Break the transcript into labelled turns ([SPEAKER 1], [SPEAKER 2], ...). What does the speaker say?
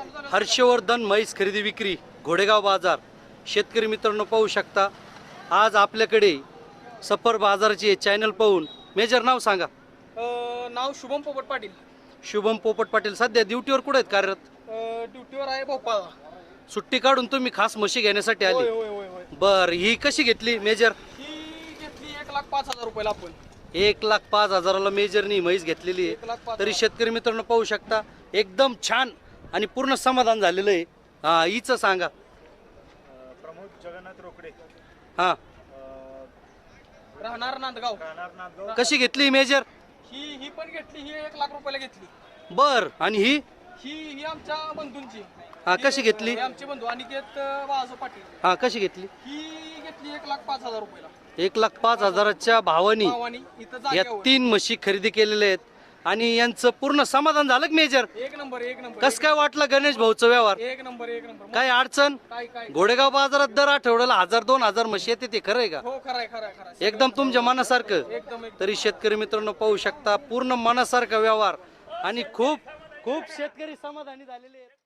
[SPEAKER 1] हर्षवर्धन म्हैस खरेदी विक्री घोडेगाव बाजार. शेतकरी मित्रांनो पाहू शकता आज आपल्याकडे सफर बाजाराची चॅनल पाहून. मेजर नाव सांगा.
[SPEAKER 2] नाव शुभम पोपट पाटील.
[SPEAKER 1] शुभम पोपट पाटील सध्या ड्युटीवर कुठे आहेत कार्यरत?
[SPEAKER 2] ड्युटीवर आहे भोपाळ.
[SPEAKER 1] सुट्टी काढून तुम्ही खास म्हशी घेण्यासाठी
[SPEAKER 2] होय
[SPEAKER 1] आले?
[SPEAKER 2] होय होय होय.
[SPEAKER 1] बर, ही कशी घेतली मेजर?
[SPEAKER 2] ही घेतली 1,05,000 रुपयाला आपण.
[SPEAKER 1] 1,05,000ला मेजरनी म्हैस घेतलेली आहे.
[SPEAKER 2] 1,05,000.
[SPEAKER 1] तरी शेतकरी मित्रांनो पाहू शकता एकदम छान आणि पूर्ण समाधान झालेलं आहे. हा, हिचं सांगा.
[SPEAKER 3] प्रमोद जगन्नाथ रोकडे,
[SPEAKER 1] हा,
[SPEAKER 2] राहणार नांदगाव.
[SPEAKER 1] कशी घेतली मेजर?
[SPEAKER 2] ही पण घेतली. ही 1,00,000 रुपयाला घेतली.
[SPEAKER 1] बर, आणि ही?
[SPEAKER 2] ही आमच्या बंधूंची.
[SPEAKER 1] हा, कशी घेतली?
[SPEAKER 2] हे आमचे बंधू अनिकेत बाळासाहेब पाटील.
[SPEAKER 1] हा, कशी घेतली?
[SPEAKER 2] ही घेतली 1,05,000 रुपयाला.
[SPEAKER 1] 1,05,000च्या भावानी
[SPEAKER 2] भावानी इथं
[SPEAKER 1] या
[SPEAKER 2] जागेवर.
[SPEAKER 1] 3 म्हशी खरेदी केलेल्या आहेत आणि यांचं पूर्ण समाधान झालं का मेजर?
[SPEAKER 2] एक नंबर एक नंबर.
[SPEAKER 1] कस काय वाटलं गणेश भाऊचं व्यवहार?
[SPEAKER 2] एक नंबर एक नंबर.
[SPEAKER 1] काय अडचण?
[SPEAKER 2] काय
[SPEAKER 1] घोडेगाव बाजारात दर आठवड्याला 1,000-2,000 म्हशी येते, ते खरं आहे का?
[SPEAKER 2] हो, खरंय खरंय खरंय.
[SPEAKER 1] एकदम तुमच्या मनासारखं.
[SPEAKER 2] एकदम
[SPEAKER 1] तरी शेतकरी मित्रांनो पाहू शकता पूर्ण मनासारखा व्यवहार आणि खूप खूप शेतकरी समाधानी झालेले आहेत.